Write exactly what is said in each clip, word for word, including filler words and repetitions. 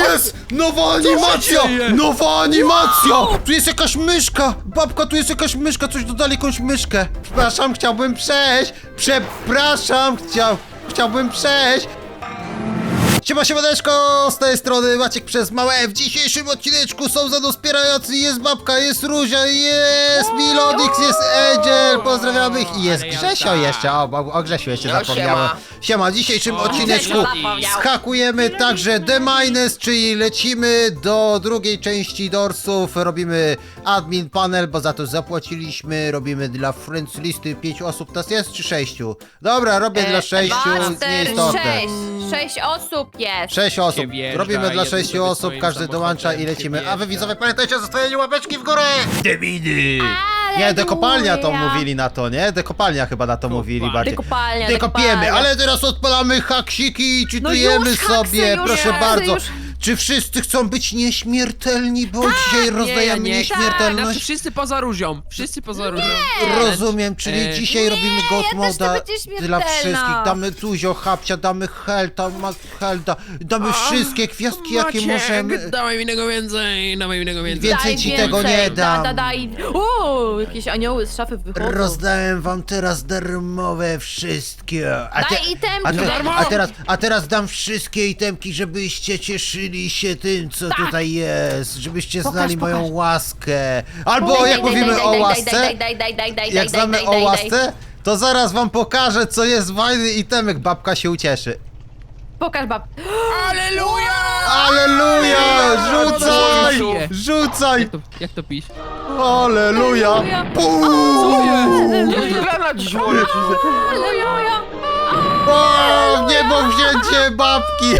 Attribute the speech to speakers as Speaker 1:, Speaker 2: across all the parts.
Speaker 1: jest! Nowa animacja!
Speaker 2: dzieje?
Speaker 1: Nowa animacja! Tu jest jakaś myszka! Babka, tu jest jakaś myszka, coś dodali, jakąś myszkę. Przepraszam, chciałbym przejść! Przepraszam, chciał, chciałbym przejść! Siema, siemaneczko, z tej strony Maciek przez małe F. W dzisiejszym odcineczku są za mną wspierający, jest babka, jest Ruzia, jest Milodix, jest Angel, pozdrawiamy ich i jest Grzesio jeszcze, o, o Grzesiu jeszcze
Speaker 3: No,
Speaker 1: zapomniałem.
Speaker 3: siema.
Speaker 1: Siema, w dzisiejszym
Speaker 2: O,
Speaker 1: odcineczku
Speaker 3: Grzesiu.
Speaker 1: skakujemy także The Minus, czyli lecimy do drugiej części Dorsów, robimy admin panel, bo za to zapłaciliśmy, robimy dla friends listy, pięciu osób, nas jest czy sześciu? Dobra, robię dla sześciu,
Speaker 4: Dwa, cztery,
Speaker 1: nieistotne.
Speaker 4: sześć. Sześć osób jest.
Speaker 1: Sześć osób.
Speaker 2: wjeżdża,
Speaker 1: Robimy dla
Speaker 2: jeden
Speaker 1: sześciu
Speaker 2: sobie
Speaker 1: osób,
Speaker 2: swoim
Speaker 1: każdy dołącza i
Speaker 2: samochodem
Speaker 1: lecimy.
Speaker 2: się
Speaker 1: A wy
Speaker 2: wjeżdża.
Speaker 1: widzowie pamiętajcie o zostawieniu łapeczki w górę! Debiny!
Speaker 4: Ale
Speaker 1: Nie, dekopalnia to
Speaker 4: luja.
Speaker 1: mówili na to, nie? Dekopalnia chyba na to mówili bardziej.
Speaker 4: Dekopalnia,
Speaker 1: Dekopiemy,
Speaker 4: dekopalnia.
Speaker 1: ale teraz odpalamy haksiki i czytujemy
Speaker 4: już, haksy,
Speaker 1: sobie,
Speaker 4: już,
Speaker 1: proszę
Speaker 4: haksy,
Speaker 1: bardzo.
Speaker 4: już.
Speaker 1: Czy wszyscy chcą być nieśmiertelni, bo dzisiaj rozdajemy
Speaker 2: nie, nie. Znaczy
Speaker 1: nieśmiertelność?
Speaker 2: wszyscy poza różą, wszyscy poza różą.
Speaker 1: Rozumiem, czyli
Speaker 2: E,
Speaker 1: dzisiaj robimy God
Speaker 4: ja też chcę
Speaker 1: Moda
Speaker 4: być
Speaker 1: dla
Speaker 4: nieśmiertelna.
Speaker 1: wszystkich. Damy Tuzio, Hapcia, damy Helta, Helda, damy wszystkie gwiazdki, jakie
Speaker 2: Maciek,
Speaker 1: możemy.
Speaker 2: dawaj mi tego więcej, dawaj mi tego więcej.
Speaker 1: Więcej
Speaker 4: Daj
Speaker 1: ci tego nie dam.
Speaker 4: Da, da, daj. Uuu, jakieś anioły z szafy wychodzą.
Speaker 1: Rozdałem wam teraz darmowe wszystkie. A,
Speaker 4: Daj itemki.
Speaker 1: a, te,
Speaker 2: Darmo!
Speaker 1: a, teraz, a teraz dam wszystkie itemki, żebyście cieszyli się tym, co
Speaker 4: Tak.
Speaker 1: tutaj jest. Żebyście
Speaker 4: Pokaż,
Speaker 1: znali moją
Speaker 4: pokaż.
Speaker 1: łaskę. Albo
Speaker 4: Daj,
Speaker 1: jak
Speaker 4: daj,
Speaker 1: mówimy
Speaker 4: daj,
Speaker 1: o
Speaker 4: daj,
Speaker 1: łasce,
Speaker 4: daj, daj, daj, daj, daj,
Speaker 1: jak
Speaker 4: daj,
Speaker 1: znamy
Speaker 4: daj,
Speaker 1: o
Speaker 4: daj,
Speaker 1: łasce, to zaraz wam pokażę, co jest fajny itemek. Babka się ucieszy.
Speaker 4: Pokaż bab.
Speaker 2: Aleluja!
Speaker 1: Aleluja! Rzucaj!
Speaker 2: Aleluja!
Speaker 1: Rzucaj!
Speaker 2: Jak to, jak to pisz?
Speaker 1: Aleluja!
Speaker 4: Aleluja.
Speaker 1: Pum!
Speaker 2: Co jest?
Speaker 3: Nie, na dziś wolę.
Speaker 4: Aleluja.
Speaker 1: O, w niebo wzięcie babki!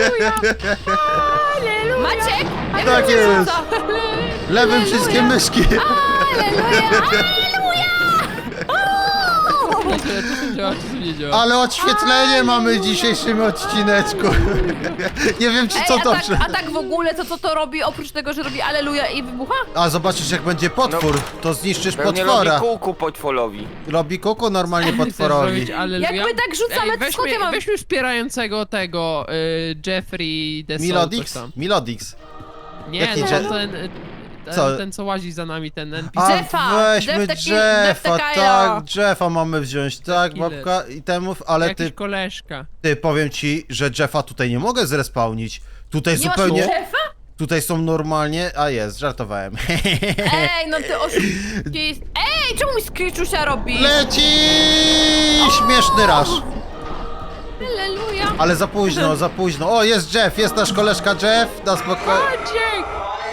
Speaker 4: Maciek? jak
Speaker 1: Tak
Speaker 4: to
Speaker 1: jest.
Speaker 4: rzuca?
Speaker 1: Lewym wszystkie myszki.
Speaker 2: Co to działa, czy to nie działa?
Speaker 1: Ale odświetlenie mamy w dzisiejszym odcineczku. Nie wiem, czy co
Speaker 4: Ej,
Speaker 1: to...
Speaker 4: a, tak,
Speaker 1: przy-
Speaker 4: a tak w ogóle, to co to robi, oprócz tego, że robi aleluja i wybucha?
Speaker 1: A zobaczysz, jak będzie potwór, to zniszczysz
Speaker 3: Pewnie
Speaker 1: potwora.
Speaker 3: robi kółku potworowi.
Speaker 1: Robi kuku normalnie
Speaker 2: Chcesz
Speaker 1: potworowi.
Speaker 2: zrobić aleluja?
Speaker 4: Jak my tak rzucamy,
Speaker 2: Ej,
Speaker 4: to skąd ja
Speaker 2: weźmy,
Speaker 4: mam-
Speaker 2: weźmy wspierającego tego, y, Jeffrey The Soul, coś
Speaker 1: Milodix?
Speaker 2: tam.
Speaker 1: Milodix.
Speaker 2: Nie,
Speaker 1: Jaki
Speaker 2: no,
Speaker 1: Je-
Speaker 2: ten, y, ten,
Speaker 1: Co?
Speaker 2: ten, co łazi za nami, ten N P
Speaker 1: A
Speaker 2: C.
Speaker 4: Jeffa!
Speaker 1: weźmy
Speaker 4: Jeff taki-
Speaker 1: Jeffa,
Speaker 4: Jeff taka
Speaker 1: tak,
Speaker 4: ja.
Speaker 1: Jeffa mamy wziąć, tak,
Speaker 2: Killer.
Speaker 1: babka itemów, ale
Speaker 2: Jakiś
Speaker 1: ty,
Speaker 2: koleżka.
Speaker 1: ty, powiem ci, że Jeffa tutaj nie mogę zrespawnić. Tutaj
Speaker 4: Nie masz
Speaker 1: zupełnie,
Speaker 4: szefa?
Speaker 1: tutaj są normalnie, a jest, żartowałem.
Speaker 4: Ej, no ty oszukist. Ej, czemu mi skryczusia robi?
Speaker 1: Leci! Śmieszny raż.
Speaker 4: Aleluja.
Speaker 1: Ale za późno, za późno. O, jest Jeff, jest nasz koleżka Jeff, na spokojnie.
Speaker 2: Maciek!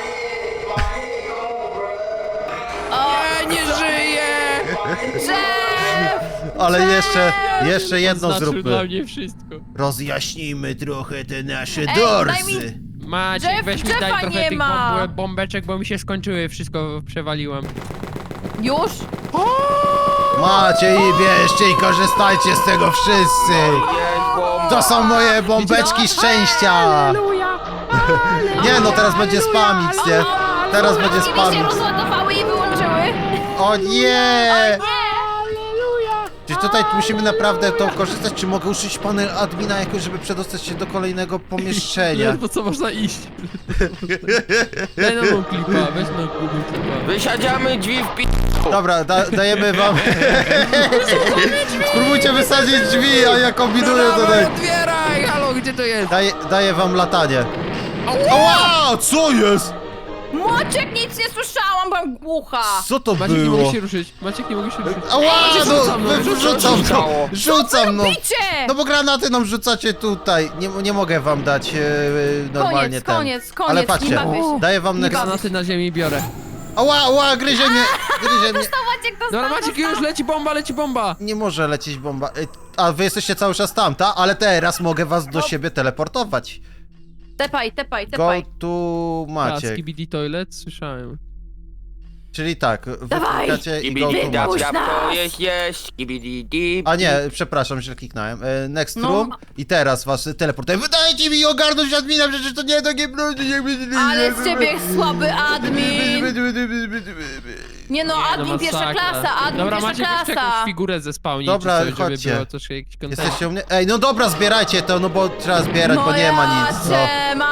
Speaker 2: Ja nie żyję!
Speaker 4: Jeff!
Speaker 1: Ale jeszcze, jeszcze jedno
Speaker 2: Znaczył dla
Speaker 1: zróbmy.
Speaker 2: mnie wszystko.
Speaker 1: Rozjaśnijmy trochę te nasze
Speaker 4: daj
Speaker 1: dorsy.
Speaker 4: mi-
Speaker 2: Maciek,
Speaker 4: Jeff-
Speaker 2: weź mi
Speaker 4: Jeffa
Speaker 2: daj trochę
Speaker 4: nie
Speaker 2: tych
Speaker 4: ma.
Speaker 2: bomb bombeczek, bo mi się skończyły, wszystko przewaliłem.
Speaker 4: Już?
Speaker 1: Macie i bierzcie i korzystajcie z tego wszyscy.
Speaker 3: Jest bomba.
Speaker 1: To są moje bombeczki szczęścia.
Speaker 2: Aleluja!
Speaker 1: Nie no, teraz będzie spamić, nie? Teraz będzie
Speaker 4: Ci mi się
Speaker 1: spamić.
Speaker 4: rozładowały i wyłączyły.
Speaker 1: O nie!
Speaker 2: Aleluja!
Speaker 1: Czy tutaj musimy naprawdę to korzystać, czy mogę użyć panel admina jakoś, żeby przedostać się do kolejnego pomieszczenia?
Speaker 2: Ledwo co można iść. Daj nam tą klipa, weź nam Google klipa.
Speaker 3: Wysiadziamy drzwi w pi...
Speaker 1: Dobra, da, dajemy wam... Spróbujcie wysadzić drzwi, a ja kombinuję tutaj.
Speaker 2: Otwieraj! Halo, gdzie to jest?
Speaker 1: Daję, daję wam latanie.
Speaker 2: Ała!
Speaker 1: Ała, co jest?
Speaker 4: Moczek, nic nie słyszałam, byłam głucha.
Speaker 1: Co to
Speaker 2: Maciek, nie
Speaker 1: było?
Speaker 2: mogę się ruszyć. Maciek, nie mogę się ruszyć.
Speaker 1: Ała,
Speaker 2: Maciek,
Speaker 1: no,
Speaker 2: rzucam, no,
Speaker 1: wy-
Speaker 2: rzucam,
Speaker 1: rzucam no,
Speaker 3: rzucało.
Speaker 1: rzucam no.
Speaker 4: Bicie!
Speaker 1: No bo granaty nam rzucacie tutaj. Nie, nie mogę wam dać e, normalnie
Speaker 4: Koniec,
Speaker 1: ten.
Speaker 4: koniec, koniec,
Speaker 1: Ale
Speaker 4: nie
Speaker 1: patrzcie,
Speaker 4: bawię się.
Speaker 1: daję wam next...
Speaker 2: Granaty na ziemi biorę.
Speaker 1: Ała, ała, gryzie mnie, gryzie mnie.
Speaker 4: Dostał Maciek, dostał,
Speaker 2: Dobra, Maciek, już leci bomba, leci bomba!
Speaker 1: Nie może lecieć bomba. E, A wy jesteście cały czas tam, ta? Ale teraz mogę was do
Speaker 4: No.
Speaker 1: siebie teleportować.
Speaker 4: Tepaj, tepaj,
Speaker 1: Go
Speaker 4: tepaj.
Speaker 1: to
Speaker 2: A,
Speaker 1: Maciek.
Speaker 2: Skibidi Toilet, słyszałem.
Speaker 1: Czyli tak, wy
Speaker 4: Dawaj.
Speaker 1: klikacie i go to
Speaker 3: Kibidi dap
Speaker 1: Maciek.
Speaker 3: dap,
Speaker 4: nas.
Speaker 3: to jest jest. Kibidi dip.
Speaker 1: A nie, przepraszam, źle kliknąłem. E, Next
Speaker 4: No.
Speaker 1: room i teraz was teleportuję. Wydajcie mi ogarnąć admina, przecież to nie takie...
Speaker 4: Ale z ciebie słaby admin. Nie no, admin
Speaker 2: No
Speaker 4: pierwsza
Speaker 2: masakra.
Speaker 4: klasa, admin
Speaker 2: Dobra,
Speaker 4: pierwsza
Speaker 2: Maciek, weź jakąś
Speaker 4: klasa.
Speaker 2: figurę ze spawni,
Speaker 1: Dobra,
Speaker 2: czy coś, żeby
Speaker 1: chodźcie.
Speaker 2: było troszkę jakiś kontent.
Speaker 1: Jesteście u mnie? Ej, no dobra, zbierajcie to, no bo trzeba zbierać,
Speaker 4: No
Speaker 1: bo nie ma nic. No.
Speaker 4: jacie,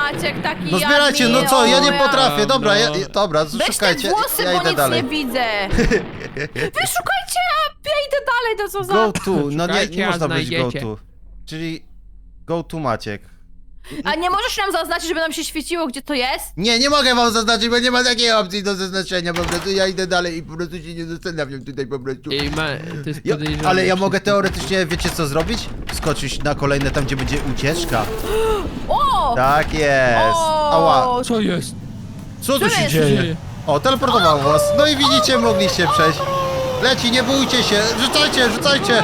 Speaker 4: Maciek, taki
Speaker 1: No zbierajcie, no
Speaker 4: admin,
Speaker 1: co, ja
Speaker 4: o,
Speaker 1: nie potrafię, dobra, ja,
Speaker 2: No.
Speaker 1: dobra,
Speaker 4: Weź te
Speaker 1: szukajcie,
Speaker 4: włosy,
Speaker 1: ja
Speaker 4: bo
Speaker 1: idę
Speaker 4: nic
Speaker 1: dalej.
Speaker 4: nie widzę. Wy szukajcie, a ja idę dalej, to co za...
Speaker 1: Go to, no nie,
Speaker 2: Szukajcie,
Speaker 1: nie
Speaker 2: a
Speaker 1: można być go
Speaker 2: znajdziecie.
Speaker 1: to. Czyli go to Maciek.
Speaker 4: A nie możesz nam zaznaczyć, żeby nam się świeciło, gdzie to jest?
Speaker 1: Nie, nie mogę wam zaznaczyć, bo nie ma takiej opcji do zaznaczenia, po prostu ja idę dalej i po prostu się nie zastanawiam tutaj po prostu.
Speaker 2: Ej, ma, to jest
Speaker 1: Ja,
Speaker 2: podejrzane.
Speaker 1: ale ja mogę
Speaker 2: wszystko.
Speaker 1: teoretycznie, wiecie co zrobić? Skoczyć na kolejne tam, gdzie będzie ucieczka.
Speaker 4: O!
Speaker 1: Tak jest.
Speaker 4: O!
Speaker 1: Ała,
Speaker 2: Co jest?
Speaker 1: co tu
Speaker 4: Co
Speaker 1: się
Speaker 4: jest?
Speaker 1: dzieje? O, teleportował was. No i widzicie, mogliście przejść. Leci, nie bójcie się, rzucajcie, rzucajcie.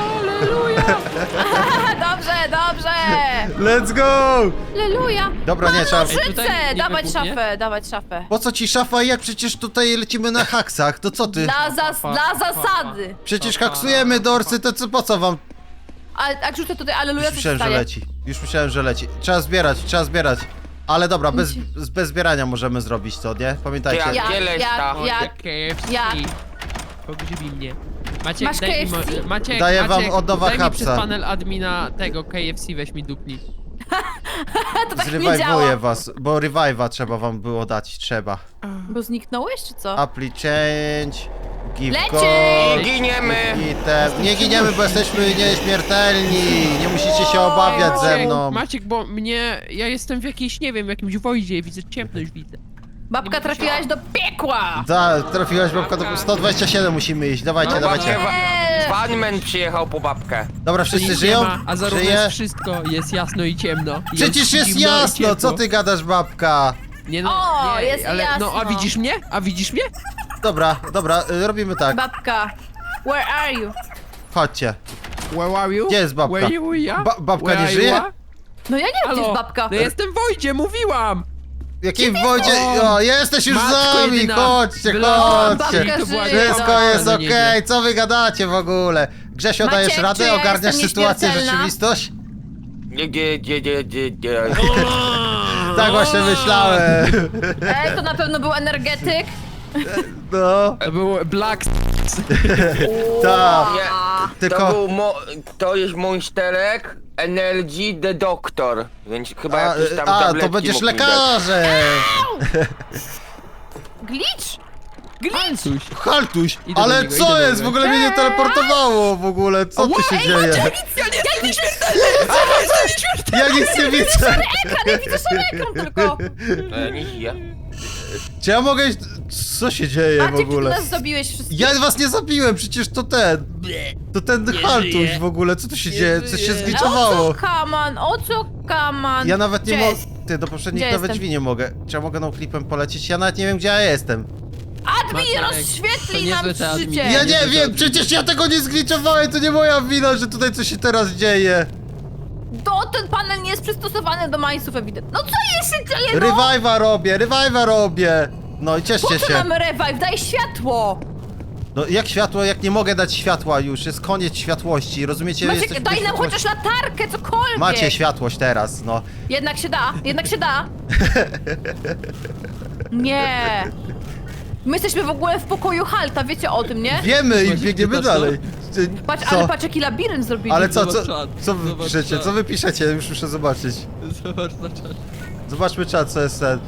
Speaker 4: Dobrze, dobrze!
Speaker 1: Let's go!
Speaker 4: Leluja!
Speaker 1: Dobra, nie, trzeba...
Speaker 2: Ej, tutaj
Speaker 4: Szyce!
Speaker 2: nie
Speaker 4: Dawać
Speaker 2: wybuchnie?
Speaker 4: szafę, dawać szafę.
Speaker 1: Po co ci szafa, jak przecież tutaj lecimy na haksach, to co ty?
Speaker 4: Dla, zas dla zasady.
Speaker 1: Przecież haksujemy dorsy, to co, po co wam?
Speaker 4: A, a rzucę tutaj aleluja,
Speaker 1: Już
Speaker 4: co się
Speaker 1: myślałem, że
Speaker 4: stanie?
Speaker 1: leci. Już myślałem, że leci. Trzeba zbierać, trzeba zbierać. Ale dobra, bez, z- bez zbierania możemy zrobić to, nie? Pamiętajcie.
Speaker 3: Ja-
Speaker 4: Jak,
Speaker 3: Gdzie leś
Speaker 4: jak,
Speaker 3: ta?
Speaker 4: jak?
Speaker 2: K F C.
Speaker 4: Jak?
Speaker 2: Pogrzybi mnie. Maciek,
Speaker 4: Masz
Speaker 2: daj mi,
Speaker 4: K F C?
Speaker 2: mo- Maciek,
Speaker 1: Daję wam
Speaker 2: Maciek,
Speaker 1: od nowa
Speaker 2: daj mi
Speaker 1: hapsa.
Speaker 2: przez panel admina tego K F C, weź mi dupni.
Speaker 4: To tak nie
Speaker 1: Zrewajwuję
Speaker 4: działa.
Speaker 1: was, bo revive'a trzeba wam było dać, trzeba.
Speaker 4: Bo zniknąłeś, czy co?
Speaker 1: Apply change, give
Speaker 4: Leci!
Speaker 1: code,
Speaker 3: Giniemy!
Speaker 1: item. Nie giniemy, bo jesteśmy nieśmiertelni. Nie musicie się obawiać ze
Speaker 2: Maciek,
Speaker 1: mną.
Speaker 2: Maciek, bo mnie, ja jestem w jakiejś, nie wiem, w jakimś wojdzie, widzę ciemność, widzę.
Speaker 4: Babka, trafiłaś do piekła!
Speaker 1: Da, trafiłaś babka do sto dwadzieścia siedem musimy iść, dawajcie,
Speaker 3: No
Speaker 1: dawajcie.
Speaker 3: babkę,
Speaker 4: Eee.
Speaker 3: Funman przyjechał po babkę.
Speaker 1: Dobra,
Speaker 2: Tu
Speaker 1: wszyscy
Speaker 2: nic
Speaker 1: żyją?
Speaker 2: nie ma, a zarówno
Speaker 1: Żyje?
Speaker 2: jest wszystko, jest jasno i ciemno.
Speaker 1: Przecież jest
Speaker 2: zimno i
Speaker 1: jasno,
Speaker 2: ciepło.
Speaker 1: co ty gadasz, babka?
Speaker 2: Nie no,
Speaker 4: O,
Speaker 2: nie,
Speaker 4: jest
Speaker 2: ale, no a
Speaker 4: jasno.
Speaker 2: widzisz mnie? A widzisz mnie?
Speaker 1: Dobra, dobra, y, robimy tak.
Speaker 4: Babka, where are you?
Speaker 1: Chodźcie.
Speaker 2: Where are you?
Speaker 1: Gdzie jest babka?
Speaker 2: Where you are?
Speaker 1: Ba- babka
Speaker 2: Where
Speaker 1: nie
Speaker 2: are you
Speaker 1: żyje?
Speaker 2: are?
Speaker 4: No ja nie wiem, gdzie
Speaker 2: Halo?
Speaker 4: jest babka.
Speaker 2: No jestem w wojdzie, mówiłam!
Speaker 1: W jakiej wodzie?
Speaker 2: O,
Speaker 1: O, jesteś już z
Speaker 2: matko
Speaker 1: nami,
Speaker 2: jedyna.
Speaker 1: chodźcie,
Speaker 2: Wylałam
Speaker 1: chodźcie.
Speaker 4: babkę
Speaker 2: To była
Speaker 4: żyje.
Speaker 1: Wszystko
Speaker 4: No,
Speaker 1: jest
Speaker 2: no
Speaker 1: okej,
Speaker 2: nieźle.
Speaker 1: co wy gadacie w ogóle? Grzesio,
Speaker 4: Maciek,
Speaker 1: dajesz
Speaker 4: czy
Speaker 1: radę?
Speaker 4: ja
Speaker 1: Ogarniasz
Speaker 4: jestem
Speaker 1: sytuację,
Speaker 4: nieśmiertelna?
Speaker 1: rzeczywistość?
Speaker 3: Nie, nie, nie, nie, nie, nie.
Speaker 1: Tak właśnie myślałem.
Speaker 4: Ej, to na pewno był energetyk.
Speaker 1: No,
Speaker 2: To był Black...
Speaker 1: tak.
Speaker 3: Nie,
Speaker 1: Tylko-
Speaker 3: to był mo to jest monsterek Energy the Doctor, więc chyba
Speaker 1: A,
Speaker 3: jakieś tam
Speaker 1: a
Speaker 3: tabletki
Speaker 1: to będziesz
Speaker 3: mógł mi dać.
Speaker 1: lekarzem.
Speaker 4: Glitch? Glitch?
Speaker 2: Coś.
Speaker 1: Haltuś,
Speaker 2: Idę do
Speaker 1: ale
Speaker 2: niego,
Speaker 1: co
Speaker 2: idę do
Speaker 1: jest?
Speaker 2: niego.
Speaker 1: W ogóle mnie nie teleportowało w ogóle, co tu się dzieje?
Speaker 2: Ja nie jestem nieśmiertelny!
Speaker 1: Ja nic nie widzę.
Speaker 4: Ekran, ja widzę sam ekran tylko.
Speaker 3: E, nie żyje.
Speaker 1: Czy ja mogę... Co się dzieje w
Speaker 4: Maciek, ty
Speaker 1: ogóle?
Speaker 4: nas zabiłeś wszystkich.
Speaker 1: Ja was nie zabiłem, przecież to ten. To ten Haltuś
Speaker 2: żyje.
Speaker 1: w ogóle, co tu się
Speaker 2: Nie
Speaker 1: dzieje? Co się
Speaker 2: żyje.
Speaker 4: O
Speaker 1: zgliczowało?
Speaker 4: co kaman, o co kaman?
Speaker 1: Ja nawet nie
Speaker 4: Gdzie
Speaker 1: mogę.
Speaker 4: jest?
Speaker 1: Ty, do poprzednich
Speaker 4: Gdzie
Speaker 1: nawet
Speaker 4: jestem?
Speaker 1: drzwi nie mogę. Czy ja mogę no klipem polecieć? Ja nawet nie wiem, gdzie ja jestem.
Speaker 4: Admin,
Speaker 2: Maciek, to
Speaker 4: rozświetli
Speaker 2: niezłe
Speaker 4: nam
Speaker 2: te adminy.
Speaker 4: życie.
Speaker 1: Ja
Speaker 2: nie
Speaker 1: nie
Speaker 2: wiem,
Speaker 1: wiem,
Speaker 2: co-
Speaker 1: przecież ja tego nie zgliczowałem, to nie moja wina, że tutaj coś się teraz dzieje.
Speaker 4: To ten panel nie jest przystosowany do mańców ewidentnie. No co jest się dzieje, no?
Speaker 1: Revive'a robię, revive'a robię. No i
Speaker 4: Po
Speaker 1: cieszcie
Speaker 4: co
Speaker 1: się.
Speaker 4: nam revive? Daj światło!
Speaker 1: No jak światło, jak nie mogę dać światła już, jest koniec światłości, rozumiecie?
Speaker 4: Maciek,
Speaker 1: Jesteśmy
Speaker 4: daj
Speaker 1: bez
Speaker 4: nam
Speaker 1: światłości.
Speaker 4: chociaż latarkę, cokolwiek!
Speaker 1: Macie światłość teraz, no.
Speaker 4: Jednak się da, jednak się da. Nie. My jesteśmy w ogóle w pokoju Halta, wiecie o tym, nie?
Speaker 1: Wiemy i
Speaker 2: Właśnie,
Speaker 1: biegniemy
Speaker 2: czytasz to?
Speaker 1: dalej. Ty-
Speaker 4: Patrz,
Speaker 1: co?
Speaker 4: ale patrz jaki labirynt zrobili.
Speaker 1: Ale co, co,
Speaker 2: Zobacz czat,
Speaker 1: co wy
Speaker 2: zobacz
Speaker 1: piszecie?
Speaker 2: czat.
Speaker 1: Co wy piszecie? Już muszę zobaczyć.
Speaker 2: Zobacz na czat.
Speaker 1: Zobaczmy czat, co jest ten.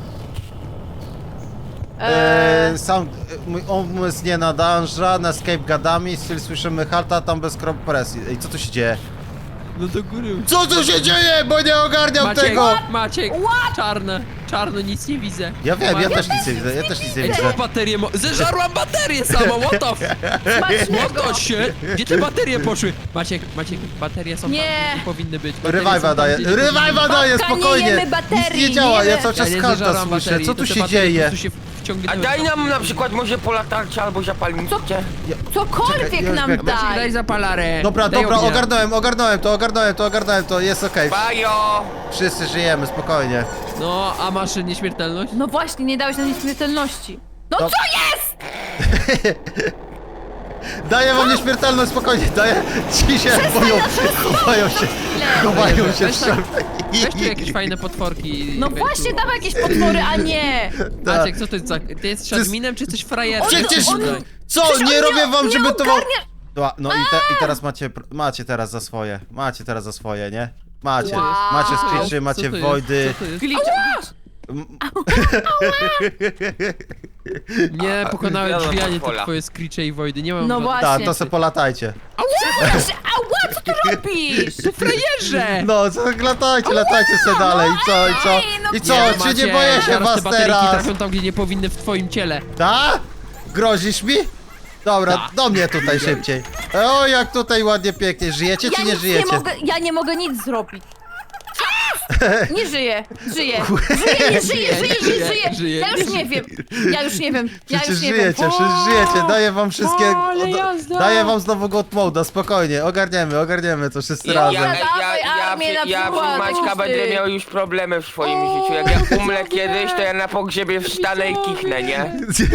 Speaker 4: Eee,
Speaker 1: Eee, sam e, mój umysł nie nadąża, na escape gadami, styl słyszymy halta, tam bez kompresji. Ej, co tu się dzieje?
Speaker 2: No do góry.
Speaker 1: Co tu się dzieje? Bo nie ogarniam
Speaker 2: Maciek,
Speaker 1: tego!
Speaker 2: Maciek, czarne, czarno, nic nie widzę.
Speaker 1: Ja wiem, ja
Speaker 2: Maciek,
Speaker 1: też nic nie widzę, ja też nic nie
Speaker 2: Ej,
Speaker 1: widzę.
Speaker 2: co baterię mo- Zeżarłam baterię samą, what the f...
Speaker 4: smacznego.
Speaker 2: What the shit? Gdzie te baterie poszły? Maciek, Maciek, baterie są
Speaker 4: Nie.
Speaker 2: tam, gdzie powinny być. Baterie są
Speaker 1: Revive'a
Speaker 2: tam,
Speaker 1: daję,
Speaker 2: gdzie nie powinny
Speaker 1: revive'a
Speaker 2: być.
Speaker 1: daję,
Speaker 4: Babka, nie
Speaker 1: spokojnie!
Speaker 4: jemy baterii,
Speaker 1: Nic nie działa,
Speaker 4: nie
Speaker 1: ja
Speaker 4: jemy-
Speaker 1: cały
Speaker 2: Ja
Speaker 1: czas
Speaker 2: nie
Speaker 1: halta
Speaker 2: zeżarłam
Speaker 1: słyszę,
Speaker 2: baterii,
Speaker 1: co
Speaker 2: to
Speaker 1: tu
Speaker 2: te
Speaker 1: się
Speaker 2: baterie
Speaker 1: dzieje?
Speaker 2: po prostu się wciągnęły.
Speaker 3: A daj nam na przykład może po latarce albo zapalniczkę.
Speaker 4: Cokolwiek
Speaker 1: Czekaj, ja już
Speaker 4: nam
Speaker 1: biegnę.
Speaker 2: Maciek,
Speaker 4: daj.
Speaker 2: daj zapalarę.
Speaker 1: Dobra,
Speaker 2: Daj
Speaker 1: dobra,
Speaker 2: ognia.
Speaker 1: ogarnąłem, ogarnąłem to, ogarnąłem to, ogarnąłem to, jest okej.
Speaker 3: Bajo!
Speaker 1: Wszyscy żyjemy, spokojnie.
Speaker 2: No, a masz nieśmiertelność?
Speaker 4: No właśnie, nie dałeś nam nieśmiertelności. No
Speaker 1: Dob-
Speaker 4: co jest?
Speaker 1: Daję wam nieśmiertelność, spokojnie, daję. Ci się boją, chowają się, chowają się w
Speaker 2: Weź tak-
Speaker 1: szafie.
Speaker 2: Weź tu jakieś fajne potworki.
Speaker 4: No
Speaker 2: weź
Speaker 4: właśnie,
Speaker 2: tu.
Speaker 4: dawaj jakieś potwory, a nie.
Speaker 1: Tak.
Speaker 2: Maciek, co to jest za... Ty jesteś
Speaker 1: jest-
Speaker 2: adminem, czy jesteś frajerem?
Speaker 1: Przecież,
Speaker 4: on-
Speaker 1: co,
Speaker 4: Przecież
Speaker 1: nie
Speaker 4: on
Speaker 1: robię wam,
Speaker 4: nie
Speaker 1: żeby to wam...
Speaker 4: ogarnia-
Speaker 1: No, no i, te, i teraz macie, pr- macie teraz za swoje, macie teraz za swoje, nie? Macie,
Speaker 4: Wow.
Speaker 1: macie
Speaker 2: Co to jest?
Speaker 1: screechy,
Speaker 2: Co
Speaker 1: macie
Speaker 2: to jest?
Speaker 1: voidy.
Speaker 2: Co to jest?
Speaker 4: Glitch.
Speaker 2: Nie, pokonałem
Speaker 3: Wiadomo,
Speaker 2: drzwi, a nie te
Speaker 3: pola.
Speaker 2: twoje screeche i wojdy. Nie mam
Speaker 4: No
Speaker 2: żadnych-
Speaker 4: właśnie.
Speaker 1: Tak, to se polatajcie.
Speaker 4: Ała, co ty robisz?
Speaker 2: To frajerze!
Speaker 1: No, co, latajcie, latajcie se dalej. I co, i co?
Speaker 4: Ej, no
Speaker 1: I co, czy
Speaker 2: Macie,
Speaker 1: nie boję się
Speaker 2: zaraz
Speaker 1: was
Speaker 2: te bateryki
Speaker 1: teraz?
Speaker 2: trafią tam, gdzie nie powinny w twoim ciele.
Speaker 1: Ta? Grozisz mi? Dobra,
Speaker 2: Tak.
Speaker 1: do mnie tutaj szybciej. O, jak tutaj ładnie, pięknie. Żyjecie
Speaker 4: Ja
Speaker 1: czy nie
Speaker 4: nic
Speaker 1: żyjecie?
Speaker 4: nie mogę, ja nie mogę nic zrobić. Nie żyję, żyję. Żyję, nie żyję, żyję, żyję, żyję.
Speaker 2: Żyje,
Speaker 4: Ja już nie wiem. Ja już nie wiem. Ja
Speaker 1: Przecież
Speaker 4: już nie
Speaker 1: żyjecie,
Speaker 4: wiem.
Speaker 1: przecież żyjecie, daję wam wszystkie...
Speaker 2: O, ale
Speaker 1: od-
Speaker 2: jazda.
Speaker 1: Daję wam znowu God Mode'a, spokojnie, ogarniemy, ogarniemy to wszyscy
Speaker 3: Ja,
Speaker 1: razem.
Speaker 3: ja, ja,
Speaker 4: Dawaj
Speaker 3: ja,
Speaker 4: armię na
Speaker 3: ja, ja
Speaker 4: przykład,
Speaker 3: przy Maćka
Speaker 4: pusty.
Speaker 3: będę miał już problemy w swoim życiu. Jak ja umrę kiedyś, to ja na pogrzebie wstanę i kichnę, nie?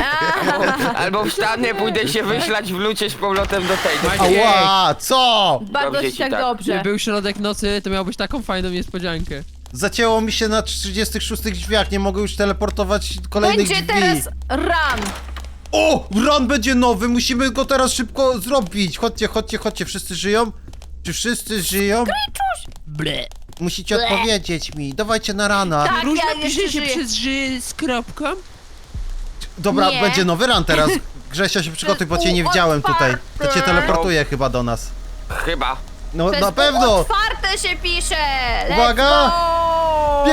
Speaker 3: Albo wstanę, pójdę się wyślać w lucie z powrotem do tego.
Speaker 2: Maciek,
Speaker 1: Ała, co?
Speaker 4: Bardzo
Speaker 3: Dobrze
Speaker 4: ci
Speaker 3: ci
Speaker 4: tak
Speaker 3: tak.
Speaker 2: gdyby
Speaker 4: dobrze.
Speaker 2: był środek nocy, to miałbyś taką fajną niespodziankę.
Speaker 1: Zacięło mi się na trzydziestych szóstych drzwiach, nie mogę już teleportować kolejnych
Speaker 4: Będzie
Speaker 1: drzwi.
Speaker 4: teraz run.
Speaker 1: O! Run będzie nowy, musimy go teraz szybko zrobić. Chodźcie, chodźcie, chodźcie, wszyscy żyją? Czy wszyscy żyją?
Speaker 2: Ble.
Speaker 1: Musicie
Speaker 4: Ble.
Speaker 1: odpowiedzieć mi, dawajcie na rana.
Speaker 4: Tak,
Speaker 2: Różne
Speaker 4: ja
Speaker 2: pisze
Speaker 4: jeszcze
Speaker 2: się
Speaker 4: żyję.
Speaker 2: przez ży z kropką?
Speaker 1: Dobra,
Speaker 4: Nie.
Speaker 1: będzie nowy run teraz. Grzesia się przygotuj, bo cię nie widziałem tutaj. To cię teleportuje chyba do nas.
Speaker 3: Chyba.
Speaker 1: No
Speaker 4: Przez
Speaker 1: na
Speaker 4: pół
Speaker 1: pewno!
Speaker 4: otwarte się pisze. Let's
Speaker 1: Uwaga!
Speaker 4: go!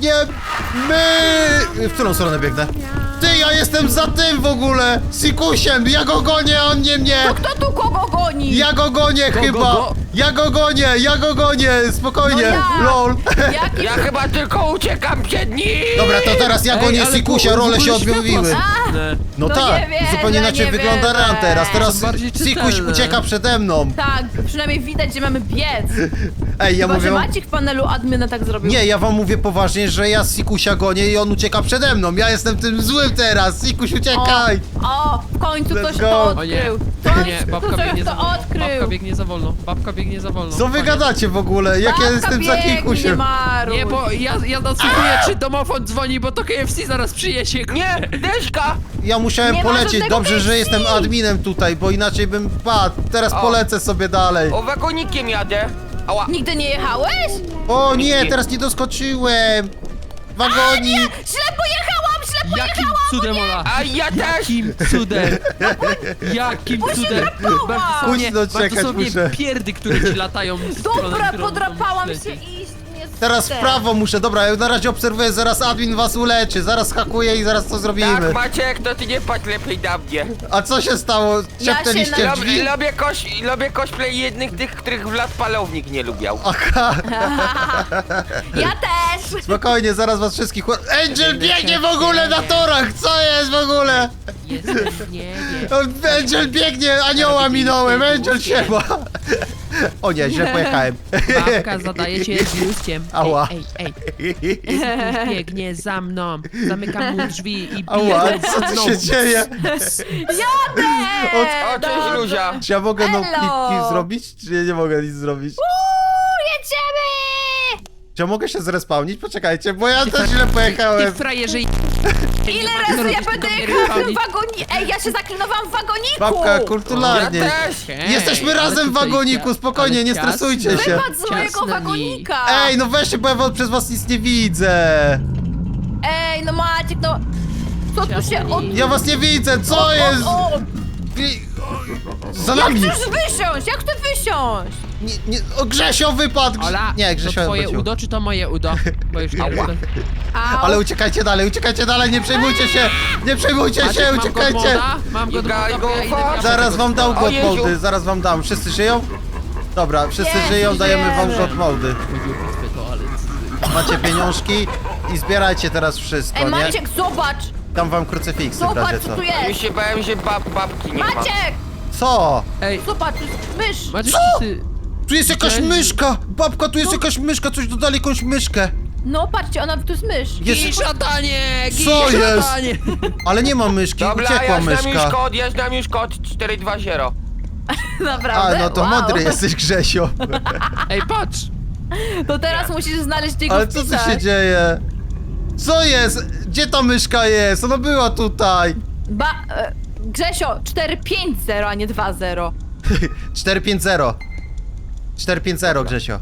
Speaker 1: Biegniemy! W którą stronę biegnę? Ty, ja jestem za tym w ogóle! Sikusiem! Ja go gonię, a on nie mnie!
Speaker 4: To kto tu kogo goni?
Speaker 1: Ja go gonię
Speaker 2: Go,
Speaker 1: chyba!
Speaker 2: go, go.
Speaker 1: Ja go gonię, ja go gonię! Spokojnie!
Speaker 4: No ja.
Speaker 1: LOL!
Speaker 4: Jaki...
Speaker 3: Ja chyba tylko uciekam przed nim!
Speaker 1: Dobra, to teraz ja
Speaker 2: Ej,
Speaker 1: gonię
Speaker 2: ale
Speaker 1: Sikusia,
Speaker 2: w ogóle
Speaker 1: role się
Speaker 2: światła
Speaker 1: odmówiły.
Speaker 4: A,
Speaker 1: No,
Speaker 4: No
Speaker 1: tak,
Speaker 4: nie wierzę,
Speaker 1: zupełnie inaczej
Speaker 4: nie
Speaker 1: wygląda
Speaker 4: wierzę.
Speaker 1: ran teraz. Teraz
Speaker 2: Są bardziej
Speaker 1: Sikuś
Speaker 2: czytelne.
Speaker 1: ucieka przede mną.
Speaker 4: tak, przynajmniej widać, że mamy biec.
Speaker 1: Ej, ja
Speaker 4: Chyba,
Speaker 1: mówię
Speaker 4: że
Speaker 1: wam...
Speaker 4: Maciek w panelu admina tak zrobił.
Speaker 1: Nie, ja wam mówię poważnie, że ja Sikusia gonię i on ucieka przede mną. Ja jestem tym złym teraz. Sikuś,
Speaker 4: O,
Speaker 1: uciekaj!
Speaker 4: o, w końcu
Speaker 1: Let's
Speaker 4: ktoś
Speaker 1: go.
Speaker 4: to
Speaker 2: O nie,
Speaker 4: odkrył.
Speaker 2: o nie, babka
Speaker 4: Ktoś
Speaker 2: biegnie za
Speaker 4: to
Speaker 2: wolno. Babka
Speaker 4: odkrył.
Speaker 2: biegnie za wolno. Babka biegnie za wolno.
Speaker 1: Co wy
Speaker 2: Koniec.
Speaker 1: gadacie w ogóle? Jak ja
Speaker 4: Babka
Speaker 1: jestem za
Speaker 4: biegnie,
Speaker 1: Kikusiem?
Speaker 4: Maruś.
Speaker 2: Nie, bo ja, ja nasłuchuję, czy domofon dzwoni, bo to K F C zaraz przyjedzie.
Speaker 3: Nie, Deszka!
Speaker 1: Ja musiałem
Speaker 4: Nie ma
Speaker 1: polecieć.
Speaker 4: żadnego
Speaker 1: Dobrze, że
Speaker 4: K F C.
Speaker 1: jestem adminem tutaj, bo inaczej bym padł. Teraz
Speaker 3: O.
Speaker 1: polecę sobie dalej.
Speaker 3: O, wagonikiem jadę. Ała.
Speaker 4: Nigdy nie jechałeś?
Speaker 1: O nie,
Speaker 3: Nigdzie.
Speaker 1: teraz nie doskoczyłem. Wagonik.
Speaker 4: Źle pojechałam, źle
Speaker 2: Jakim
Speaker 4: pojechałam!
Speaker 2: cudem, Ola?
Speaker 3: A ja też!
Speaker 2: Jakim cudem? Jakim
Speaker 4: Bo się
Speaker 2: cudem?
Speaker 4: drapała.
Speaker 2: Bardzo są, nie,
Speaker 1: Pójdź, no,
Speaker 2: bardzo
Speaker 1: czekać
Speaker 2: są nie
Speaker 1: muszę.
Speaker 2: pierdy, które ci latają w stronę,
Speaker 4: Dobra,
Speaker 2: którą
Speaker 4: podrapałam
Speaker 2: leci.
Speaker 4: się i niestety.
Speaker 1: Teraz w prawo muszę. Dobra, ja na razie obserwuję, zaraz admin was uleczy. Zaraz hakuję i zaraz to zrobimy.
Speaker 3: Tak, Maciek, to ty nie patrz lepiej na mnie.
Speaker 1: A co się stało?
Speaker 4: Ja
Speaker 1: Szepnęliście
Speaker 4: się
Speaker 1: w
Speaker 4: na-
Speaker 1: drzwi?
Speaker 3: Lubię, lubię, koś, lubię cosplay jednych tych, których Vlad Palownik nie lubiał.
Speaker 1: Aha,
Speaker 4: Ja też!
Speaker 1: spokojnie, zaraz was wszystkich... ła- Angel biegnie w ogóle na torach! Co jest w ogóle?
Speaker 2: Jestem w niebie.
Speaker 1: On- Angel biegnie, anioła minąłem, Angel siema! O nie, źle pojechałem.
Speaker 2: Babka zadaje cię z biuskiem.
Speaker 1: Ała.
Speaker 2: Ej, ej, ej. Jezus biegnie za mną. Zamykam mu drzwi i bije
Speaker 1: Ała,
Speaker 2: go
Speaker 1: co tu
Speaker 2: znowu.
Speaker 1: się dzieje?
Speaker 4: Jadę!
Speaker 3: O, cześć Luzia!
Speaker 1: Czy ja mogę no
Speaker 4: Hello.
Speaker 1: klipki zrobić, czy ja nie mogę nic zrobić?
Speaker 4: Uuu, jedziemy!
Speaker 1: Czy ja mogę się zrespawnić? Poczekajcie, bo ja też źle
Speaker 2: Ty
Speaker 1: pojechałem.
Speaker 2: frajerze.
Speaker 4: Ile razy ja będę jechała w tym wagoniku? Ej, ja się zaklinowałam w wagoniku!
Speaker 1: Babka,
Speaker 3: Ja
Speaker 1: kulturalnie.
Speaker 3: też!
Speaker 1: Jesteśmy razem w wagoniku, spokojnie, nie stresujcie się.
Speaker 4: Wypadł z mojego wagonika!
Speaker 1: Ej, no weźcie, bo ja wam- przez was nic nie widzę.
Speaker 4: Ej, no Maciek, no... Co tu się od...
Speaker 1: Ja was nie widzę, co jest?
Speaker 4: O, o,
Speaker 1: Gri- Za
Speaker 4: jak
Speaker 1: nami.
Speaker 4: chcesz wysiąść? Jak chcesz wysiąść?
Speaker 1: Nie, nie, o, Grzesio wypadł. Grze-
Speaker 2: Ola,
Speaker 1: Nie,
Speaker 2: to
Speaker 1: Grzesio
Speaker 2: twoje
Speaker 1: wrócił.
Speaker 2: udo, czy to moje udo? Bo już nie
Speaker 3: Ała.
Speaker 2: wiem.
Speaker 4: Au.
Speaker 1: Ale uciekajcie dalej, uciekajcie dalej, nie przejmujcie się. Nie przejmujcie
Speaker 2: Maciek,
Speaker 1: się,
Speaker 2: mam
Speaker 1: uciekajcie.
Speaker 2: godmoda? Mam
Speaker 3: You
Speaker 2: godmoda,
Speaker 3: gotta
Speaker 2: bo
Speaker 3: go
Speaker 2: ja idę
Speaker 3: fast.
Speaker 2: wracać.
Speaker 1: Zaraz wam dam
Speaker 3: O
Speaker 1: god
Speaker 3: Jezu.
Speaker 1: mody, zaraz wam dam. Wszyscy żyją? Dobra, wszyscy
Speaker 4: Nie,
Speaker 1: żyją, dajemy wam
Speaker 4: żyjemy.
Speaker 1: god mody. Macie pieniążki i zbierajcie teraz wszystko,
Speaker 4: Ej,
Speaker 1: nie?
Speaker 4: Maciek, zobacz!
Speaker 1: Dam wam krucyfiksy w
Speaker 4: Zobacz,
Speaker 1: razie
Speaker 4: co
Speaker 1: co.
Speaker 4: tu
Speaker 3: Już
Speaker 4: jest!
Speaker 3: się bałem, że bab, babki nie ma.
Speaker 4: Maciek!
Speaker 1: Co?
Speaker 2: Ej,
Speaker 4: Zobacz, tu jest mysz!
Speaker 2: Maciek, ty...
Speaker 1: Tu jest jakaś
Speaker 2: Gdzie?
Speaker 1: myszka! Babka, tu jest
Speaker 4: No.
Speaker 1: jakaś myszka, coś dodali jakąś myszkę.
Speaker 4: No, patrzcie, ona, tu jest mysz!
Speaker 1: Jest...
Speaker 2: Gij szatanie! Gij
Speaker 1: Co jest?
Speaker 2: szatanie!
Speaker 1: Ale nie ma myszki,
Speaker 3: Dobra,
Speaker 1: uciekła
Speaker 3: ja znam już
Speaker 1: myszka.
Speaker 3: kod, ja znam już kod cztery dwa zero.
Speaker 1: A,
Speaker 4: Naprawdę?
Speaker 1: no to
Speaker 4: wow.
Speaker 1: mądry jesteś, Grzesio.
Speaker 2: Ej, patrz!
Speaker 4: To teraz musisz znaleźć jego
Speaker 1: Ale co tu
Speaker 4: wpisach.
Speaker 1: się dzieje? Co jest? Gdzie ta myszka jest? Ona była tutaj.
Speaker 4: Ba... E, Grzesio, cztery pięć zero, a nie dwa zero.
Speaker 1: cztery pięć zero. cztery pięć zero, Grzesio.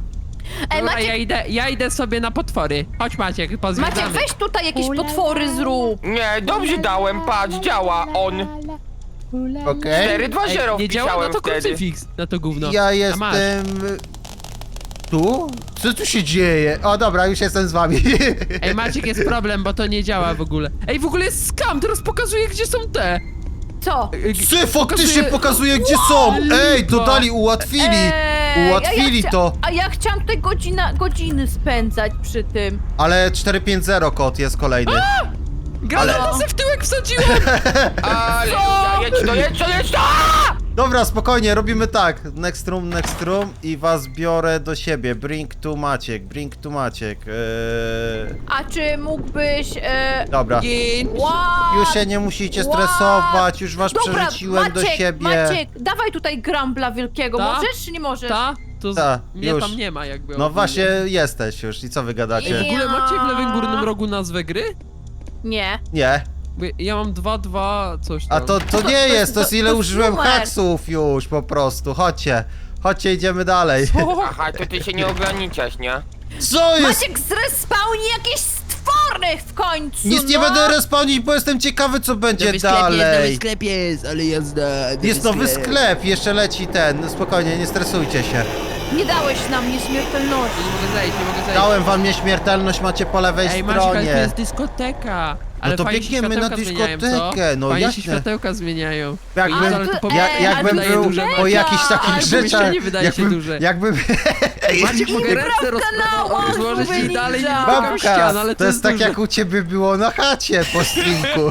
Speaker 4: Ej,
Speaker 2: Dobra,
Speaker 4: Maciek,
Speaker 2: ja idę, ja idę sobie na potwory. Chodź Maciek,
Speaker 4: Maciek,
Speaker 2: pozwiedzamy.
Speaker 4: weź tutaj jakieś potwory zrób.
Speaker 3: Nie, dobrze dałem, patrz, działa on.
Speaker 1: Okej.
Speaker 3: cztery dwa
Speaker 2: Ej,
Speaker 3: zero
Speaker 2: nie działa na
Speaker 3: wpisałem
Speaker 2: to
Speaker 3: wtedy.
Speaker 2: krucyfiks, na to gówno.
Speaker 1: Ja
Speaker 2: A masz.
Speaker 1: jestem... Tu? Co tu się dzieje? O dobra, już jestem z wami.
Speaker 2: Ej, Maciek, jest problem, bo to nie działa w ogóle. Ej, w ogóle jest skam, teraz pokazuje, gdzie są te.
Speaker 4: Co?
Speaker 2: Ej,
Speaker 1: Ty, faktycznie
Speaker 2: pokazuje-
Speaker 1: pokazuje, gdzie są! Ej,
Speaker 2: lipa.
Speaker 1: dodali, ułatwili!
Speaker 4: Eee,
Speaker 1: Ułatwili
Speaker 4: a ja chcia-
Speaker 1: to.
Speaker 4: A ja chciałam tutaj godzina, godziny spędzać przy tym.
Speaker 1: Ale cztery pięć zero kod jest kolejny.
Speaker 2: Granata
Speaker 4: Ale-
Speaker 2: se w tyłek wsadziłem!
Speaker 3: Ale jedź to, jedź to, jedź to!
Speaker 1: Dobra, spokojnie, robimy tak. Next room, next room i was biorę do siebie. Bring tu Maciek, bring tu Maciek. Eee...
Speaker 4: A czy mógłbyś... E...
Speaker 1: Dobra.
Speaker 2: Gin.
Speaker 4: What?
Speaker 1: Już się nie musicie
Speaker 4: What?
Speaker 1: stresować, już was
Speaker 4: Dobra,
Speaker 1: przerzuciłem
Speaker 4: Maciek,
Speaker 1: do siebie.
Speaker 4: Maciek, dawaj tutaj Grambla wielkiego.
Speaker 2: Ta?
Speaker 4: Możesz czy nie możesz?
Speaker 2: Ta? To z...
Speaker 1: Ta,
Speaker 2: mnie
Speaker 1: już.
Speaker 2: tam nie ma jakby.
Speaker 1: No
Speaker 2: ogólnie.
Speaker 1: właśnie jesteś już i co wy
Speaker 2: Ej, w
Speaker 1: gadacie?
Speaker 2: ogóle macie w lewym górnym rogu nazwę gry?
Speaker 4: Nie.
Speaker 1: Nie.
Speaker 2: Bo ja mam dwa, dwa, coś tam.
Speaker 1: A to, to
Speaker 4: to
Speaker 1: nie
Speaker 4: jest-
Speaker 1: jest, to jest
Speaker 4: to-
Speaker 1: ile
Speaker 4: to jest
Speaker 1: użyłem
Speaker 4: numer.
Speaker 1: haksów już po prostu. Chodźcie. Chodźcie, idziemy dalej.
Speaker 3: Aha, to ty się nie ograniczasz, nie?
Speaker 1: Co jest?
Speaker 4: Maciek, zrespawni jakieś stwory w końcu,
Speaker 1: Nic nie
Speaker 4: no.
Speaker 1: będę respawnić, bo jestem ciekawy, co będzie dalej.
Speaker 2: sklep jest, ale jazda.
Speaker 1: Jest nowy sklep, jeszcze leci ten. Spokojnie, nie stresujcie się.
Speaker 4: Nie dałeś nam nieśmiertelności.
Speaker 2: Nie mogę zejść, nie mogę zejść.
Speaker 1: Dałem wam nieśmiertelność, macie po lewej
Speaker 2: Ej, Maciek, ale to
Speaker 1: stronie.
Speaker 2: jest dyskoteka. Ale
Speaker 1: to
Speaker 2: fajnie się
Speaker 1: biegniemy na
Speaker 2: światełka zmieniają,
Speaker 1: dyskotekę,
Speaker 2: co?
Speaker 1: no
Speaker 2: fajnie
Speaker 1: jasne.
Speaker 2: się światełka zmieniają.
Speaker 1: Jakbym,
Speaker 2: Ale to po-
Speaker 1: ja,
Speaker 4: Ej,
Speaker 1: jakbym
Speaker 4: ale
Speaker 1: był
Speaker 2: duże,
Speaker 1: po
Speaker 2: Maciek.
Speaker 1: jakichś takich
Speaker 2: Ale
Speaker 1: rzeczach,
Speaker 2: pomieszczenie wydaje się
Speaker 1: jakbym,
Speaker 2: duże.
Speaker 1: jakbym,
Speaker 2: Maciek, mogę ręce roz...
Speaker 4: kanału,
Speaker 2: rozłożyć i
Speaker 4: Ninja.
Speaker 2: dalej nie dotykam
Speaker 1: babka,
Speaker 2: ścian, ale
Speaker 1: to jest tak
Speaker 2: duże.
Speaker 1: jak u ciebie było na chacie po streamku.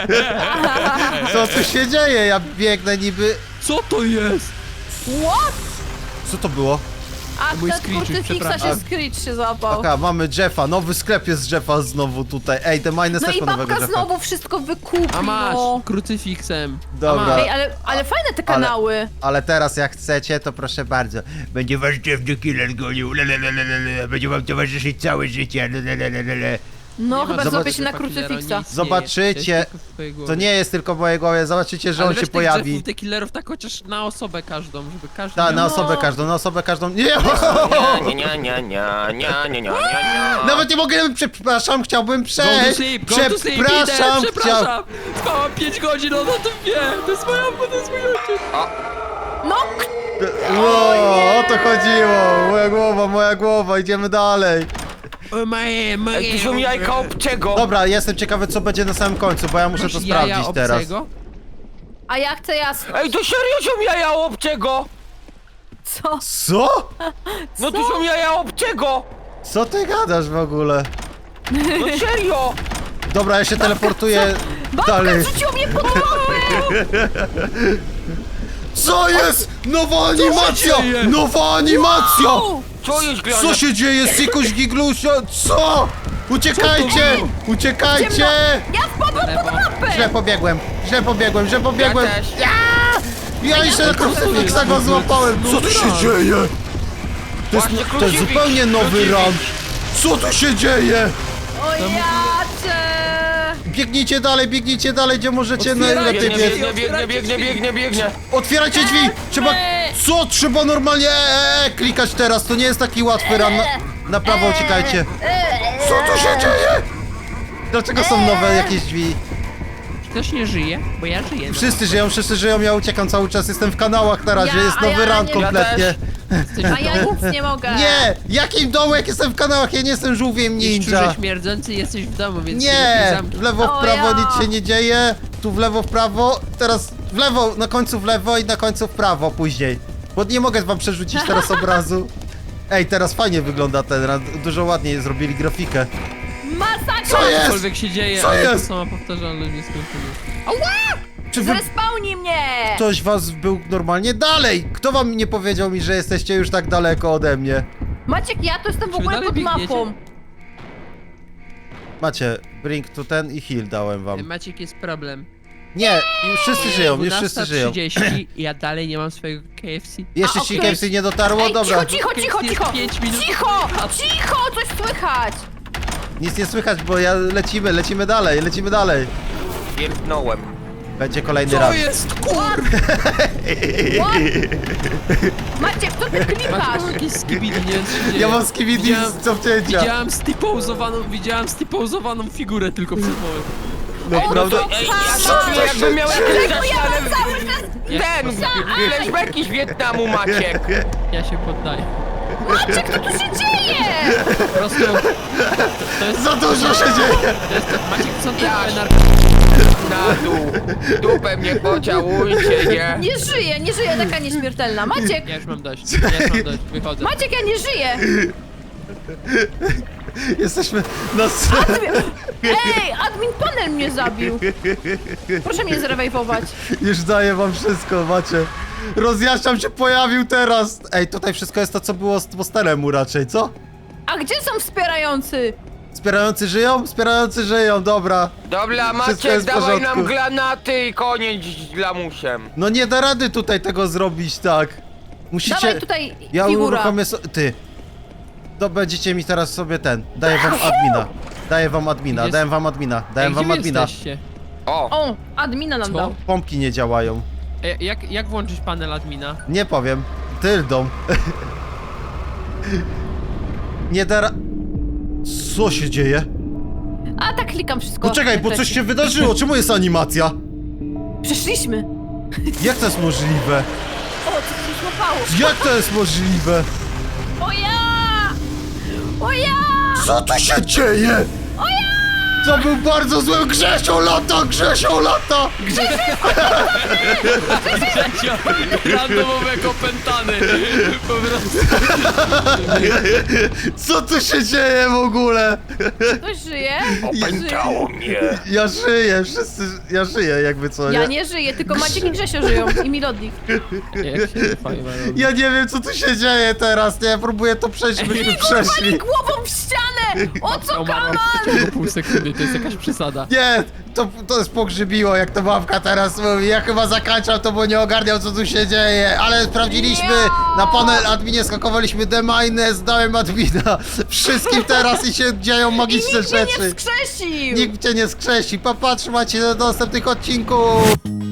Speaker 1: Co tu się dzieje? Ja biegnę niby...
Speaker 2: Co to jest?
Speaker 4: What?
Speaker 1: Co to było?
Speaker 4: A
Speaker 2: Mój
Speaker 4: ten
Speaker 2: Screech,
Speaker 4: krucyfiksa się
Speaker 2: przepraszam.
Speaker 4: Screech się złapał.
Speaker 1: Oka, mamy Jeffa, nowy sklep jest Jeffa znowu tutaj. Ej, te mines
Speaker 4: No
Speaker 1: też
Speaker 4: i
Speaker 1: po nowego
Speaker 4: babka
Speaker 1: Jeffa.
Speaker 4: znowu wszystko wykupi,
Speaker 2: A masz,
Speaker 4: no.
Speaker 2: krucyfiksem.
Speaker 1: Dobra.
Speaker 2: A masz.
Speaker 4: Ej, ale, ale fajne te kanały.
Speaker 1: Ale teraz jak chcecie, to proszę bardzo. Będzie wasz Jeff the Killer gonił. Lelelelele. Będzie wam towarzyszyć całe życie. Lelelelele.
Speaker 4: No,
Speaker 2: Nie ma
Speaker 4: chyba
Speaker 2: zobacz-
Speaker 4: zrobię się na
Speaker 2: Jeffa Killera,
Speaker 4: krucyfiksa.
Speaker 2: nic nie
Speaker 1: Zobaczycie.
Speaker 2: jest, to jest tylko w twojej głowie.
Speaker 1: To nie jest tylko w mojej głowie, zobaczycie, że
Speaker 2: Ale
Speaker 1: on
Speaker 2: weź
Speaker 1: się
Speaker 2: tych
Speaker 1: pojawi.
Speaker 2: Jeffów, tych killerów tak chociaż na osobę każdą, żeby każdy
Speaker 1: Tak,
Speaker 2: miał...
Speaker 1: na
Speaker 4: No.
Speaker 1: osobę każdą, na osobę każdą. Nie!
Speaker 3: Nie, nie, nie, nie, nie, nie, nie, nie, nie, nie.
Speaker 1: Nawet nie mogę, przepraszam, chciałbym
Speaker 2: Go to
Speaker 1: przejść.
Speaker 2: sleep, go to sleep, idę,
Speaker 1: Przepraszam, chciał...
Speaker 2: przepraszam! Spałam pięć godzin, on o tym wie! To jest moja, to jest mój ojciec!
Speaker 4: No,
Speaker 1: O, o to chodziło. Moja głowa, moja głowa, idziemy dalej.
Speaker 2: O moje, moje...
Speaker 3: Ej, tu są jajka obcego.
Speaker 1: Dobra, jestem ciekawy, co będzie na samym końcu, bo ja muszę to
Speaker 2: Jaja
Speaker 1: sprawdzić teraz.
Speaker 2: obcego?
Speaker 4: a ja chcę jasno.
Speaker 3: Ej, to serio są jaja obcego.
Speaker 4: Co?
Speaker 1: Co?
Speaker 3: No tu są jaja obcego.
Speaker 1: Co ty gadasz w ogóle?
Speaker 3: No serio.
Speaker 1: Dobra, ja się teleportuję
Speaker 4: Babka
Speaker 1: dalej.
Speaker 4: rzuciła mnie pod łapę!
Speaker 1: Co jest? Nowa animacja!
Speaker 2: dzieje?
Speaker 1: Nowa animacja!
Speaker 3: Co jest grane?
Speaker 1: Co się dzieje? Sikuś Giglusia? Co? Uciekajcie! Uciekajcie!
Speaker 4: Ja wpadłam pod łapę!
Speaker 1: Źle pobiegłem, źle pobiegłem, źle
Speaker 3: Ja
Speaker 1: pobiegłem.
Speaker 3: też.
Speaker 1: Ja jeszcze na krucyfiksa go złapałem. Co tu się dzieje? To jest,
Speaker 3: Właśnie
Speaker 1: to jest
Speaker 3: krucyfiks,
Speaker 1: zupełnie nowy
Speaker 3: krucyfiks.
Speaker 1: run. Co tu się dzieje?
Speaker 4: O jacie!
Speaker 1: Biegnijcie dalej, biegnijcie dalej, gdzie możecie
Speaker 2: Otwierajcie
Speaker 1: najlepiej
Speaker 3: Biegnie,
Speaker 1: biec.
Speaker 3: biegnie, biegnie, biegnie, biegnie, biegnie.
Speaker 1: Otwierajcie drzwi! Trzeba... Co? Trzeba normalnie e, e, klikać teraz, to nie jest taki łatwy run. Na, na prawo uciekajcie. Co tu się dzieje? Dlaczego są nowe jakieś drzwi?
Speaker 2: Ktoś nie żyje? Bo ja żyję. no.
Speaker 1: Wszyscy żyją, wszyscy żyją, ja uciekam cały czas, jestem w kanałach na razie,
Speaker 4: Ja-
Speaker 1: jest
Speaker 4: a
Speaker 1: nowy
Speaker 4: ja
Speaker 1: run
Speaker 4: nie-
Speaker 1: kompletnie.
Speaker 3: Ja
Speaker 2: Jesteś
Speaker 4: A
Speaker 2: w
Speaker 4: ja
Speaker 2: domu?
Speaker 4: nic nie mogę.
Speaker 1: Nie! Jakim dołek jestem w kanałach? Ja nie jestem żółwiem
Speaker 2: Jesteś
Speaker 1: ninja.
Speaker 2: czurze śmierdzący, jesteś w domu, więc się lepiej
Speaker 1: Nie!
Speaker 2: zamknij.
Speaker 1: W lewo, w
Speaker 4: O
Speaker 1: prawo
Speaker 4: ja.
Speaker 1: nic się nie dzieje. Tu w lewo, w prawo. Teraz w lewo, na końcu w lewo i na końcu w prawo później. Bo nie mogę wam przerzucić teraz obrazu. Ej, teraz fajnie wygląda ten run. Dużo ładniej zrobili grafikę.
Speaker 4: Masakra!
Speaker 1: Co jest?
Speaker 2: Cokolwiek się dzieje,
Speaker 1: Co
Speaker 2: ale
Speaker 1: jest?
Speaker 2: to sama powtarzalność nieskończona.
Speaker 1: Czy wy...
Speaker 4: Zrespełnij mnie!
Speaker 1: ktoś was był normalnie dalej? Kto wam nie powiedział mi, że jesteście już tak daleko ode mnie?
Speaker 4: Maciek, ja to jestem w
Speaker 2: Czy wy
Speaker 4: ogóle
Speaker 2: dalej
Speaker 4: pod
Speaker 2: biegniecie?
Speaker 4: mapą.
Speaker 1: Macie, bring tu ten i heal dałem wam.
Speaker 2: Maciek, jest problem.
Speaker 1: Nie, już wszyscy żyją, już wszyscy żyją.
Speaker 2: dwunasta trzydzieści i ja dalej nie mam swojego K F C.
Speaker 1: Jeszcze
Speaker 4: A,
Speaker 1: ci
Speaker 4: okej.
Speaker 1: K F C nie dotarło?
Speaker 4: Ej,
Speaker 1: Dobra.
Speaker 4: cicho, cicho, cicho,
Speaker 2: Jest
Speaker 4: cicho!
Speaker 2: pięć minut.
Speaker 4: Cicho! Cicho! Coś słychać!
Speaker 1: Nic nie słychać, bo ja lecimy, lecimy dalej, lecimy dalej.
Speaker 3: Pierdnąłem.
Speaker 1: Będzie kolejny
Speaker 2: Co
Speaker 1: raz.
Speaker 2: jest, kur...
Speaker 4: What? Maciek, co ty klikasz?
Speaker 2: Masz jakieś skibidi, nie wiem, co się dzieje.
Speaker 1: Ja mam skibidi
Speaker 2: Widziałem-
Speaker 1: z cofnięcia.
Speaker 2: Widziałem stipouzowaną, widziałem stipouzowaną figurę tylko przed momentem.
Speaker 1: Naprawdę.
Speaker 3: Ej, ja to czuję, jakbym miał jakieś
Speaker 4: Dlaczego ja
Speaker 3: zaślane...
Speaker 4: mam cały czas...
Speaker 3: Ten, flashbacki z Wietnamu, Maciek.
Speaker 2: Ja się poddaję.
Speaker 4: Maciek, co tu się dzieje?
Speaker 2: Po prostu... To jest...
Speaker 1: Za dużo się dzieje.
Speaker 2: To jest Maciek, co ty
Speaker 3: Ja-
Speaker 2: nar...
Speaker 3: Na dół. Dupę mnie pociałujcie, nie?
Speaker 4: Nie żyję, nie żyję, taka nieśmiertelna. Maciek,
Speaker 2: Ja już mam dość, ja już mam dość, wychodzę.
Speaker 4: Maciek, ja nie żyję.
Speaker 1: Jesteśmy na... s-
Speaker 4: Ej, admin panel mnie zabił. Proszę mnie zrewejwować.
Speaker 1: Już daję wam wszystko, macie. Rozjaśniam się pojawił teraz. Ej, tutaj wszystko jest to, co było z postelemu raczej, co?
Speaker 4: A gdzie są wspierający?
Speaker 1: Wspierający żyją? Wspierający żyją, dobra.
Speaker 3: Dobra,
Speaker 1: Wszystko
Speaker 3: Maciek,
Speaker 1: jest w
Speaker 3: dawaj
Speaker 1: porządku.
Speaker 3: nam granaty i koniec z lamusem.
Speaker 1: No nie da rady tutaj tego zrobić, tak. Musicie...
Speaker 4: Dawaj tutaj
Speaker 1: Ja
Speaker 4: figura.
Speaker 1: uruchomię so... Ty. To będziecie mi teraz sobie ten. Daję wam admina. Daję wam admina,
Speaker 2: Gdzie
Speaker 1: daję wam admina, daję
Speaker 2: Ej,
Speaker 1: wam
Speaker 2: gdzie wy
Speaker 1: admina.
Speaker 2: jesteście?
Speaker 3: O,
Speaker 4: O, admina nam
Speaker 2: Co?
Speaker 4: dał.
Speaker 1: Pompki nie działają.
Speaker 2: Ej, jak, jak włączyć panel admina?
Speaker 1: Nie powiem. Tyldą. Nie da ra... Co się dzieje?
Speaker 4: A tak klikam wszystko.
Speaker 1: Poczekaj, bo coś się wydarzyło. Czemu jest animacja?
Speaker 4: Przeszliśmy.
Speaker 1: Jak to jest możliwe?
Speaker 4: O, co się złapało?
Speaker 1: Jak to jest możliwe?
Speaker 4: O ja! O ja!
Speaker 1: Co tu się dzieje?
Speaker 4: O ja!
Speaker 1: To był bardzo zły Grzesio lata, Grzesio lata!
Speaker 2: Randomowego opętany. Po prostu.
Speaker 1: Co tu się dzieje w ogóle?
Speaker 4: Ktoś żyje?
Speaker 3: opętało mnie.
Speaker 1: Ja żyję, wszyscy... Ja żyję jakby co,
Speaker 4: Ja
Speaker 1: nie?
Speaker 4: nie żyję, tylko Maciek i Grzesio żyją. I Milodnik.
Speaker 2: Jak się fajnie robi.
Speaker 1: Ja nie wiem co tu się dzieje teraz, nie? Ja próbuję to przejść, żebyśmy
Speaker 4: Wali
Speaker 1: przeszli.
Speaker 4: głową w ścianę! O co
Speaker 2: Umarłam
Speaker 4: kaman?
Speaker 2: w ciągu pół sekundy, to jest jakaś przesada.
Speaker 1: Nie, to, to jest pogrzybiło, jak to babka teraz mówi. Ja chyba zakańczam to, bo nie ogarniał co tu się dzieje. Ale sprawdziliśmy,
Speaker 4: Ja!
Speaker 1: na panel adminie skakowaliśmy D-Mine, zdałem admina. Wszystkim teraz i się dzieją
Speaker 4: I
Speaker 1: magiczne
Speaker 4: nikt mnie nie
Speaker 1: rzeczy.
Speaker 4: wskrzesił!
Speaker 1: Nikt cię nie skrzesi. Popatrz, macie do następnych odcinków.